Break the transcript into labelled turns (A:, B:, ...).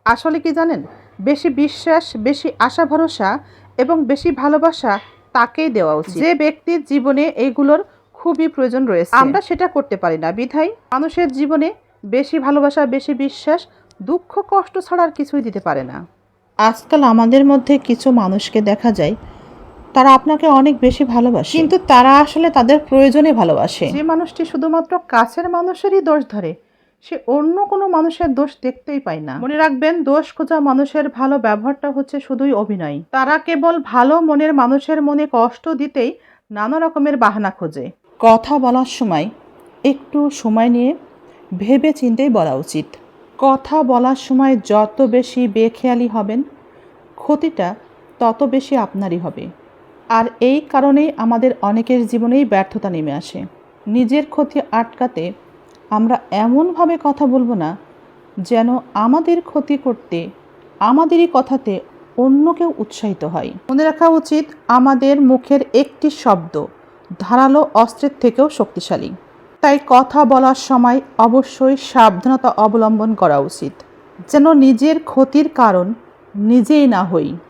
A: আসলে কি জানেন, বেশি বিশ্বাস, বেশি আশা ভরসা এবং বেশি ভালোবাসা তাকেই দেওয়া উচিত যে ব্যক্তির জীবনে এইগুলোর খুবই প্রয়োজন রয়েছে। আমরা সেটা করতে পারি না বিধায় মানুষের জীবনে বেশি ভালোবাসা, বেশি বিশ্বাস, দুঃখ কষ্ট ছাড়া আর কিছুই দিতে পারে না। আজকাল আমাদের মধ্যে কিছু মানুষকে দেখা যায় তারা আপনাকে অনেক বেশি ভালোবাসে, কিন্তু তারা আসলে তাদের প্রয়োজনে ভালোবাসে। যে মানুষটি শুধুমাত্র কাছের মানুষেরই দোষ ধরে, সে অন্য কোনো মানুষের দোষ দেখতেই পায় না। মনে রাখবেন, দোষ খোঁজা মানুষের ভালো ব্যবহারটা হচ্ছে শুধুই অভিনয়। তারা কেবল ভালো মনের মানুষের মনে কষ্ট দিতেই নানা রকমের বাহানা খোঁজে। কথা বলার সময় একটু সময় নিয়ে ভেবে চিন্তেই বলা উচিত। কথা বলার সময় যত বেশি বেখেয়ালি হবেন, ক্ষতিটা তত বেশি আপনারই হবে। আর এই কারণেই আমাদের অনেকের জীবনেই ব্যর্থতা নেমে আসে। নিজের ক্ষতি আটকাতে আমরা এমনভাবে কথা বলবো না যেন আমাদের ক্ষতি করতে আমাদেরই কথাতে অন্য কেউ উৎসাহিত হয়। মনে রাখা উচিত, আমাদের মুখের একটি শব্দ ধারালো অস্ত্রের থেকেও শক্তিশালী। তাই কথা বলার সময় অবশ্যই সাবধানতা অবলম্বন করা উচিত, যেন নিজের ক্ষতির কারণ নিজেই না হই।